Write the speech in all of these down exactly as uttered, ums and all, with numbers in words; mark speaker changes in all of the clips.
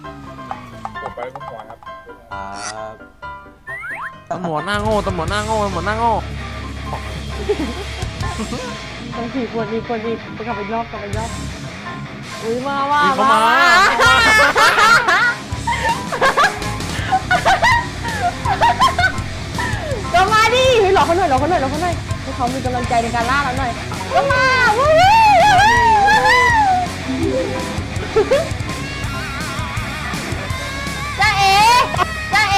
Speaker 1: จบไปคุณหมอครับ
Speaker 2: ครับ
Speaker 3: ตำรวจหน้าโง่ตำรวจหน้าโง่ตำรวจหน้าโง่
Speaker 4: ต้องขี่คนอีกคนอีกไปกลับไปรอบกลับไปรอบอุ้ยมาว่า
Speaker 3: มีเข้ามา
Speaker 4: ก็มาดิเฮ้ยหลอกเขาหน่อยหลอกเขาหน่อยหลอกเขาหน่อยให้เขามีกำลังใจในการล่าเราหน่อยก็มาวู้จ้าเอ๋จ้าเอ๋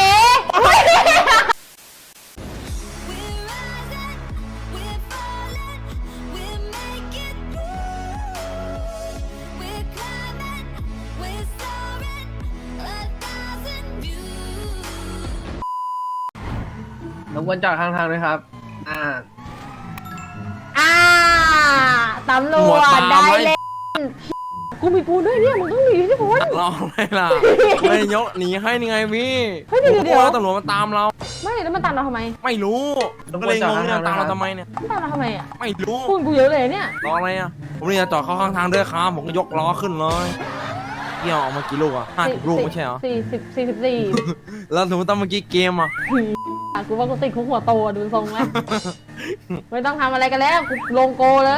Speaker 3: รบกวนจอดข้างทางด้วยครับอ่า
Speaker 4: อ่าตำรวจได้เล่นกูมีปูนด้วยเนี่ยมึงต้องหนีที่ปูน
Speaker 3: รอไม่ล่ะไม่ยกหนีให้นี่ไงพี่
Speaker 4: เฮ้ยเดี๋ยวเดี๋ยว
Speaker 3: ตำรวจมาตามเรา
Speaker 4: ไม่แล้วมันตามเราทำไม
Speaker 3: ไม่รู้ก็เลยงงเนี่ยตามเราทำไมเนี่ย
Speaker 4: มันตามเราทำไมอ่ะ
Speaker 3: ไม่รู้
Speaker 4: ปูนกูเยอะเลยเนี่ย
Speaker 3: รออะไรอ่ะผมนี่จะจอดเข้าข้างทางด้วยครับผมก็ยกล้อขึ้นเลยเกี่ยวออกมากี่ลูกอ่ะห้าสิบลูกไม่ใช่เหรอ
Speaker 4: สี่สิบสี่สิบสี่
Speaker 3: แล้วสมมติตอนเมื่อกี้เกมอ่ะ
Speaker 4: กูว่ากูติดคุกหัวโตดูทรงไหมไม่ต้องทำอะไรกันแล้วกูลงโกเลย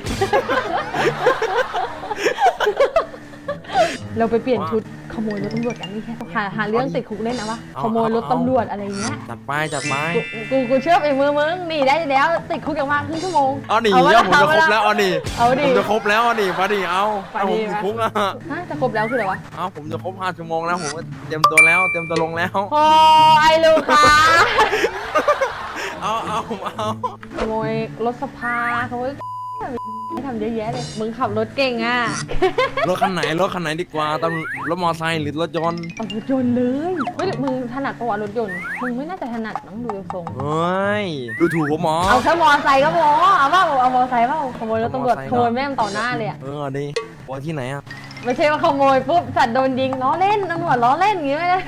Speaker 4: เราไปเปลี่ยนชุดขโมยรถตำรวจกันนี่แค่หาหาเรื่องติดคุกเล่นนะวะขโมยรถตำรวจอะไรเงี้ย
Speaker 3: จัดไปจัดไป
Speaker 4: กูกูเชื่อไอ้มือมึงหนีได้แล้วติดคุกอย่างมากครึ่งชั่วโมง
Speaker 3: เอาหนี
Speaker 4: วะ
Speaker 3: เยอะผมจะครบแล้วเอาหนี
Speaker 4: เอาดิ
Speaker 3: ผมจะครบแล้วเอาหนีมาดิเอา
Speaker 4: ไป
Speaker 3: เอาผ
Speaker 4: ดิ
Speaker 3: มติดคุกอ่ะ
Speaker 4: ฮะจะครบแล้วคืออะไรวะ
Speaker 3: เอาผมจะครบห้าชั่วโมงแล้วผมก็เตรียมตัวแล้วเตรียมตัวลงแล้ว
Speaker 4: โอ้ไอ้ลูกค้า
Speaker 3: เอาเอาผมเอา
Speaker 4: ขโมยรถสภาขโมยไม่ทำเยอะแยะเลยมึงขับรถเก่งอ่ะ
Speaker 3: รถคันไหนรถคันไหนดีกว่าตำรถมอเตอร์ไซค์หรือรถยนต์
Speaker 4: เอารถยนต์เลยเฮ้ยมึงถนัดปะวะรถยนต์มึงไม่น่าจะถนัดน้องดูทรง
Speaker 3: เฮ้ยดูถูกผมหมอ
Speaker 4: เอาแค่มอไซค์ก็พอเอาว่าเอามอไซค์เปล่าขโมยรถตำรวจ
Speaker 3: เอามอไซค์
Speaker 4: ขโมยแม่งต่อหน้าเลยอะ
Speaker 3: เออดีปอที่ไหนอ่ะ
Speaker 4: ไม่ใช่ว่าขโมยปุ๊บสัตว์โดนยิงล้อเล่นตำรวจล้อเล่นอย่างงี้ไม่ได้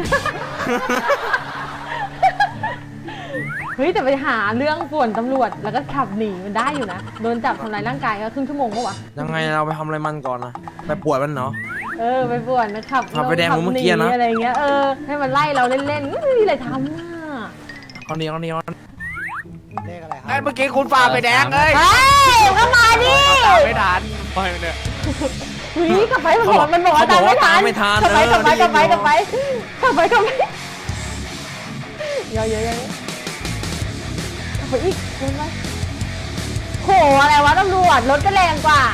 Speaker 4: เฮ้ยแต่ไปหาเรื่องป่วนตำรวจแล้วก็ขับหนีมันได้อยู่นะโดนจับทำลายร่างกายก็ครึ่งชั่วโมงปะวะ
Speaker 3: ยังไงเราไปทำอะไรมันก่อนนะไปปวดมันเนาะ
Speaker 4: เออไปป่วนนะขับ
Speaker 3: ขับไปแดง
Speaker 4: ขั
Speaker 3: เหมือนเมื่อกี้นะ
Speaker 4: หอะไรเงี้ยเออให้มันไล่เราเล่นๆไม่มีอะไรทำอ่ะ
Speaker 3: เอาเดียวเอาเดียว
Speaker 2: เลขอะไรค
Speaker 5: ไอ้
Speaker 2: รับ
Speaker 5: เมื่อกี้คุณฝ่าไปแดงเลย
Speaker 4: เฮ้ยก็มาดิ
Speaker 5: ตามไม่ทันไปเนี่ย
Speaker 4: หนีกลับไปมันบอกมันบอกว่าตามไม่ทัน
Speaker 3: ไม่ทัน
Speaker 4: กลับไปกลับไป
Speaker 3: เออก
Speaker 4: ลับไป
Speaker 3: ดี
Speaker 4: กลับไปกลับไปกลับไปเยอะเยอะเยอะกลับไปอีกเดินไปโหอะไรวะตำรวจรถก็แรงกว่า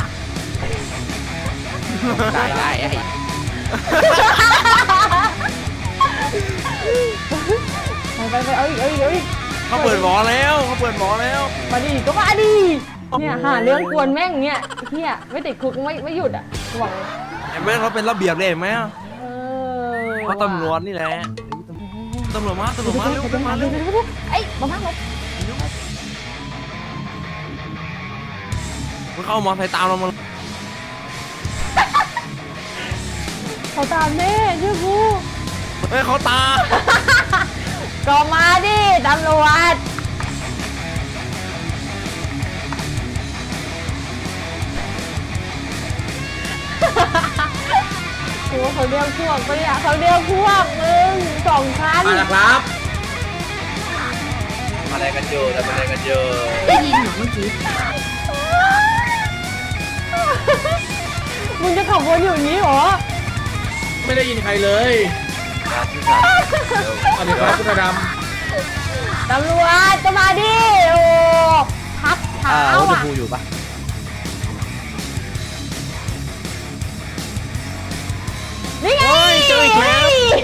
Speaker 5: ได้ได้ไอ้
Speaker 4: ไปไปไปเอาอีกเอาอีกเอาอีก
Speaker 3: เขาเปิดหมอแล้วเขาเปิดหมอแล้ว
Speaker 4: มาดิก็มาดิเนี่ยหาเรื่องกวนแม่งเนี่ยเฮียไม่ติดคุกไม่ไม่หยุดอ่ะกูบอกเลย
Speaker 3: เห็นไหมเขาเป็นระเบียบเลยเห็นไหม
Speaker 4: เออ
Speaker 3: เพราะตำรวจนี่แหละตำรวจมาตำรวจมาเร็วเร็วมาเร็ว
Speaker 4: เอ้ยมาบ้างลบ
Speaker 3: มันเข้ามอไซค์ตามเรามา
Speaker 4: เขาตามแน่เชื่อกู
Speaker 3: เฮ้ยเขาตาม
Speaker 4: ก็มาดิตำรวจโอ้เขาเรียกพวกปะเนี่ยเขาเรียกพวกมึงสองคัน
Speaker 5: มาแล้วครับทำอะไรกันอยู่ทำอะไรกันอยู่
Speaker 6: ได้ยินเหรอเมื่อกี้
Speaker 4: มึงจะขับวนอยู่อย่างนี้เหรอ
Speaker 5: ไม่ได้ยินใครเลยสวัสดีครับคุณด
Speaker 4: ตำรวจจะมาดิโอ้พักเท้า
Speaker 2: อ่ารถชม
Speaker 4: อ่ะ
Speaker 2: พูอยู่ปะ
Speaker 4: นี่ไง
Speaker 3: เฮ้ยเจออีกแล้ว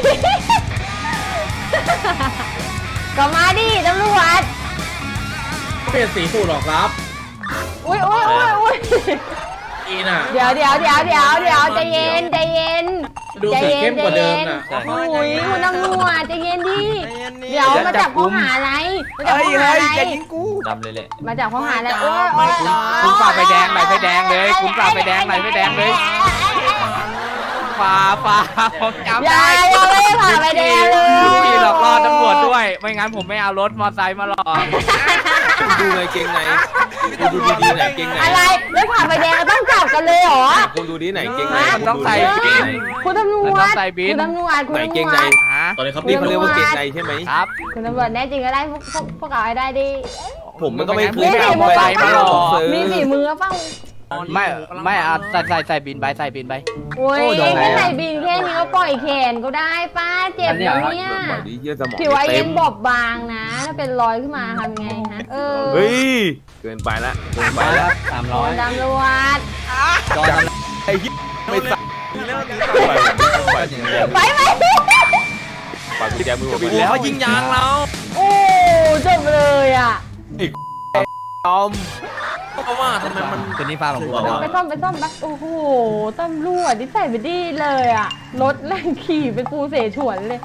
Speaker 4: ก็มาดิตำรวจ
Speaker 5: ำเปลี่ยนสีสูตรหรอครับ
Speaker 4: อุ้ยอุ้ยอุ้ยอุ้ย
Speaker 5: อีน่ะ
Speaker 4: เดี๋ยวเดี๋ยวเดี๋ยวเดี๋ยวเดี๋ยวใจเย็นใจเย็น
Speaker 5: ดูสีเข้มกว่าเดิมน่ะ
Speaker 4: โอ้ยคุณตำรวจใจเย็นดิ
Speaker 3: ใจเย็นดิ
Speaker 4: เดี๋ยวมาจับข้อหาอะไรมาจับข้อหาอะไร
Speaker 5: อย่ายิงกู
Speaker 2: ดำเลยแหละ
Speaker 4: มาจับข้อหาอะไรโอ้ยโอ้
Speaker 5: ไม่
Speaker 4: ย
Speaker 5: คุณคุณฝ่าไฟแดงไหลไฟแดงเลยคุณฝ่าไฟแดงไหลไฟแดงเลย
Speaker 3: ไ
Speaker 1: ฝ่าฝ่าผมจำ
Speaker 4: อย่า
Speaker 1: ได้
Speaker 4: อย่าไม่ได้ผ่านไฟแดงเลย
Speaker 1: พี่หลอกล่อตำรวจด้วย ไม่งั้นผมไม่เอารถมอเตอร์ไซค์มาหลอก
Speaker 3: ดูไงเกงไหนกูดูดีๆไหนเกงไหน
Speaker 4: อะไรไม่ผ่านไฟแดงก็ต้องจับกันเลยเหรอ
Speaker 3: กูดูดีไหนเกงไหน
Speaker 1: มันต้องใส่
Speaker 3: เกงไหน
Speaker 4: คุณตำรว
Speaker 1: มัน
Speaker 4: จ
Speaker 1: ต้องใส่บิน
Speaker 4: คุณตำรวจคุณ
Speaker 3: ไหน
Speaker 4: ตำรวจ
Speaker 3: เกงใน
Speaker 1: ฮะ
Speaker 5: ตอนนี้เขา
Speaker 3: นี่
Speaker 5: ตี
Speaker 3: เขาเรียกว่าเกงในใช่ไหม
Speaker 1: ครับ
Speaker 4: คุณตำรวจแน่จริงก็ได้พวกพวกพวกเราให้ได้ดิ
Speaker 3: ผมมันก็ไม่เค
Speaker 4: มี
Speaker 3: ย
Speaker 4: ฝี
Speaker 3: เอา
Speaker 4: มือ
Speaker 3: ไป
Speaker 4: เปล่า
Speaker 3: ไม่หรอกซื้อ
Speaker 4: มีฝีมือเปล่า
Speaker 1: ไม่ไม่เอาใส่ใส่ใส่บินไปใส่บินไป
Speaker 4: โอ้ย
Speaker 1: โอ้ยโดนไหน
Speaker 4: แค่
Speaker 1: อะ
Speaker 4: ใส่บินแค่นี้ก็ปล่อยแขนก็ได้ป้าเจ็บแล้วเนี่ย
Speaker 3: ปล่อยดีเยี่ยสมอง
Speaker 4: ผิวไอ
Speaker 3: เต็
Speaker 4: เย็
Speaker 3: ม
Speaker 4: นบอบบางนะ ถ้าเป็นรอยขึ้นมาทำไงฮะ เออ
Speaker 3: เฮ้ยเกินไปละเกินไปละ
Speaker 1: สาม
Speaker 4: โด
Speaker 1: ร้อย
Speaker 4: นตำรวจ
Speaker 1: จอด
Speaker 3: ไอ้ยี่ไม่ใส่ไป
Speaker 4: ไปไหม
Speaker 3: ปากกุญแจมือผมไปแล้วยิงยางเรา
Speaker 4: โอ้จบเลยอ่ะ
Speaker 3: ยอมเพราะว่าทำไมมัน
Speaker 1: ตัวนี้ฟ้าของผม
Speaker 4: ไปซ่อมไปซ่อมไปโอ้โหตำรวจที่ใส่ไปดีเลยอ่ะ รถแรงขี่เป็นปูเสฉวนเลย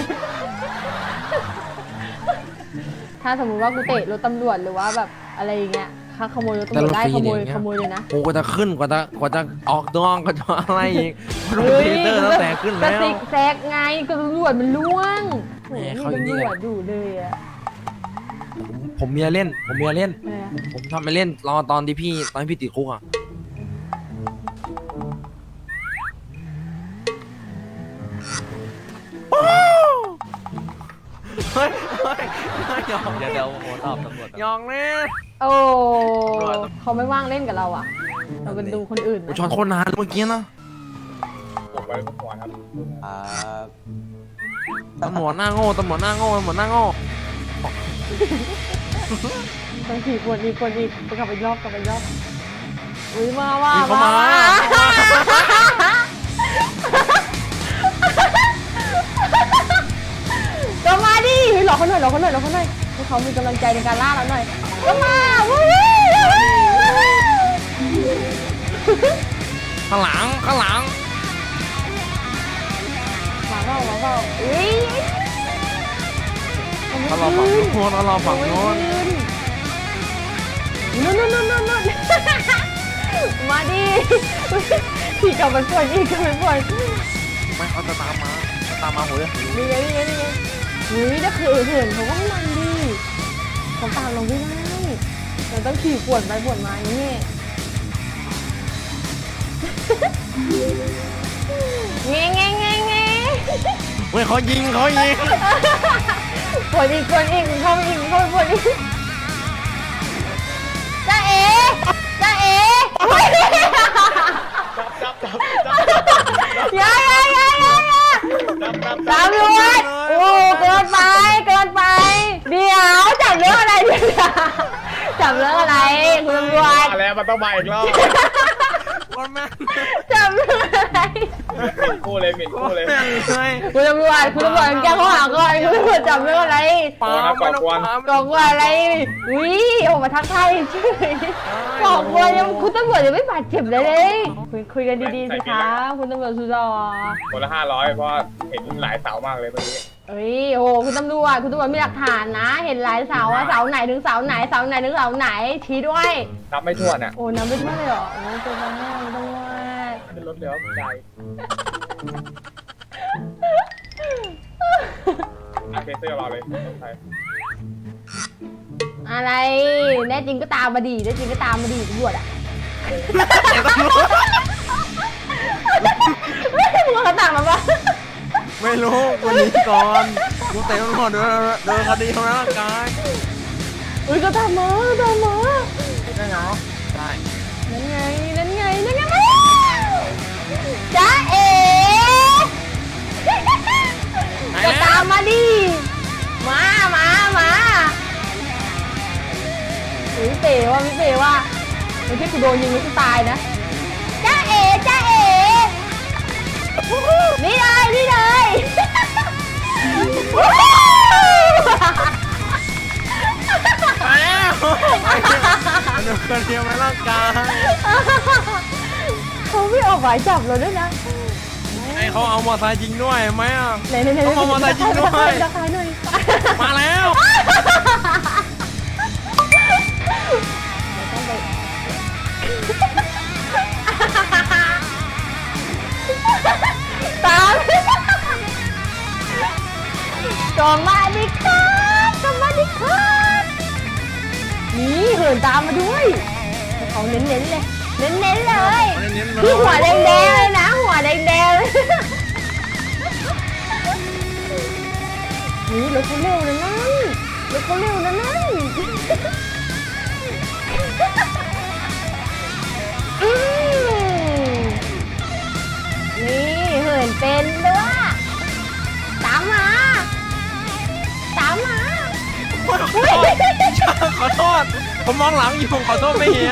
Speaker 4: ถ้าสมมุติว่ากูเตะรถตำรวจหรือว่าแบบอะไรอย่างเงี้ยถ้าขโมยรถตำรวจได้ขโมยขโมยเลยนะ
Speaker 3: โอ้กว่าจะขึ้นกว่าจะกว่าจะออกตัวก็จะอะไรอีกรถเทเตอร์ตั้งแต่ขึ้น
Speaker 4: ก
Speaker 3: แล้
Speaker 4: ระ
Speaker 3: ว
Speaker 4: ติกแซกไงก็ตำรวจมันล่วง
Speaker 3: แหม
Speaker 4: โอ้โห
Speaker 3: เขาอย่างนี้
Speaker 4: ตำร
Speaker 3: เลย
Speaker 4: วจดูเลยอะ
Speaker 3: ผมเมียเล่น ผมเมียเล่น
Speaker 4: อะไรอะ
Speaker 3: ผมทำไปเล่นรอตอนที่พี่ตอนที่พี่ติดคุกอ่ะเฮ้ยเฮ้ยยอง
Speaker 1: เดี๋ยวเดี๋ยวโอ้ตอบตำรวจ
Speaker 3: ยองเล่น
Speaker 4: โอ้เขาไม่ว่างเล่นกับเราอะเราเป็นดูคนอื่น
Speaker 3: โอ้
Speaker 4: นะ
Speaker 3: ช็อตโคตรนานเมื่อกี้นะ
Speaker 5: ผมไปเมื่อวานครับ
Speaker 2: อ่า
Speaker 3: ตำรวจหน้าโง่ตำรวจหน้าโง่ตำรวจหน้าโง่
Speaker 4: ต้องขี่คนอีกคนอีกไปกลับไปรอบกลับไปรอบอุ้ยมาว่า
Speaker 3: นี่เขามา
Speaker 4: ก็มาดิหลอกเขาหน่อยหลอกเขาหน่อยหลอกเขาหน่อยให้เขามีกำลังใจในการล่าเราหน่อยก็มาวู้วู้
Speaker 3: ข้างหลังข้างหลัง
Speaker 4: มาเปล่ามาเปล่าอุ้ย
Speaker 3: เขารอฝั่งโน้นเขารอฝั่งโน้น
Speaker 4: นู่นนู่นนู่นนู่นนู่นมาดิขี่กลับไปปวดอีกกลับไปปวด
Speaker 3: ไม่เขาจะตามมาตามมาโหย
Speaker 4: นี่ไงนี่ไงนี่ไงอุ้ยถ้าเขินเขินเขาก็มันดิเขาตามเราไม่ได้เราต้องขี่ปวดไปปวดมาอย่างนี้เงี้ยเงี้ยเงี้ยเงี้ย
Speaker 3: เฮ้ยเขายิงเขายิง
Speaker 4: ปวดอีกปวดอีกเข้าไปอีกเข้าไปปวดอีกจ้าเอ๋จ้าเอ๋อย่าอย่าอย่าอย่าอย่าตำรวจโอ้เกินไปเกินไปเดี๋ยวจับเรื่องอะไรเดี๋ยวจับเรื่องอะไรคุณตำรวจ
Speaker 5: แล้วมันต้องมาอีกรอบ
Speaker 3: คนแม่ง
Speaker 4: จับเรื่องอะไร
Speaker 5: หมิ่นคู่เลยหมิ่นคู่เลย
Speaker 3: แม่งเลย
Speaker 4: คุณตำรวจคุณตำรวจแจ้งข้อหาก่อนคุณตำรวจจับเรื่องอะไร
Speaker 3: ปาไม่ต้องปา
Speaker 4: ก่อกวนอะไรอุ้ยออกมาทักทายเฉยก่อกวนยังคุณตำรวจยังไม่บาดเจ็บเลยเลยคุยคุยกันดีๆสิคะคุณตำรวจสุดหล่อ
Speaker 5: คนละห้าร้อยเพราะเห็นหลายเสามากเลยเมื่อกี้
Speaker 4: เอ้ยโอ้คุณตำรวจคุณตำรวจมีหลักฐานนะ เห็นหลายเสาอะเสาไหนถึงเสาไหนเสาไหนถึงเสาไหนชี้ด้วย
Speaker 5: นับไม่ถ้วนอ่ะ
Speaker 4: โอ้น้ำไม่ท่วมเลยเหรอโอ้ตัวน้ำไม่ต้องว่า
Speaker 5: ขึ้นรถเร็วใจอาเคเซอร์รอเลยไป
Speaker 4: อะไรแน่จริงก็ตามมาดีแน่จริงก็ตามมาดีตำรวจอะไม่มึงเขาต่างมาปะ
Speaker 3: ไม่รู้คนนี้ก่อนกูเตะมันก่อนเดินเดินคดีทำร้ายร่างกาย
Speaker 4: อุ้ยก็ตามมาตามมา
Speaker 3: ได้เหรอได้
Speaker 4: นั่นไงนั่นไงนั่นไงมาจ้าเอ๋ก็ตามมาดิมามามาอุ้ยเป๋ว่าพี่เป๋ว่าไม่ใช่กูโดนยิงแล้วกูตายนะจ้าเอ๋จ้าเอ๋นี่เลยนี่เลย
Speaker 3: มาแล้วมันโดนคนเดียวมาร่างกาย
Speaker 4: เขาไม่ออกหมายจับเราด้วยนะ
Speaker 3: ไอ้เขาเอามอเตอร์ไซค์ยิงด้วยไหมอ่ะ
Speaker 4: ไหนไหนไหน
Speaker 3: เขาเอามอเตอร์ไซค์ยิงด้วย
Speaker 4: ราคาหน่อย
Speaker 3: มาแล้ว
Speaker 4: ตามก็มาดิครับก็มาดิครับนี่เหินตามมาด้วยเขาเน้นๆเลยเน้นๆเลยที่หัวแดงๆเลยนะหัวแดงๆเลยนี่รถเขาเร็วนะนั่นรถเขาเร็วนะนั่นอืมนี่เหินเป็นด้วยตามมาตามมา
Speaker 3: ขอโทษผมมองหลังอยู่ขอโทษไม่เห็น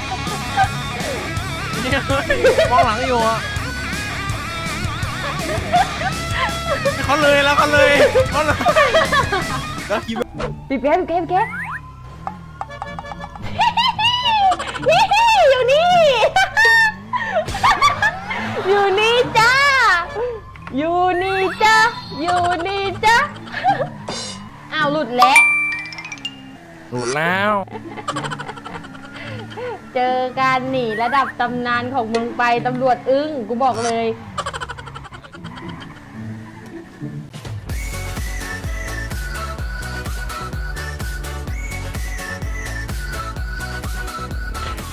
Speaker 3: เนี่ยมองหลังอยู่อ่ะเขาเลยแล้วเขาเลยเขาเลยแล้วคิดว่า
Speaker 4: ปีแก้ปีแก้ปีแก้อยู่นี่ อยู่นี่จ้าอยู่นี่จ้าอยู่นี่จ้าอ้าวหลุดแล้ว
Speaker 3: หลุดแล้ว
Speaker 4: เจอการหนีระดับตำนานของมึงไปตำรวจอึ้งกูบอกเลย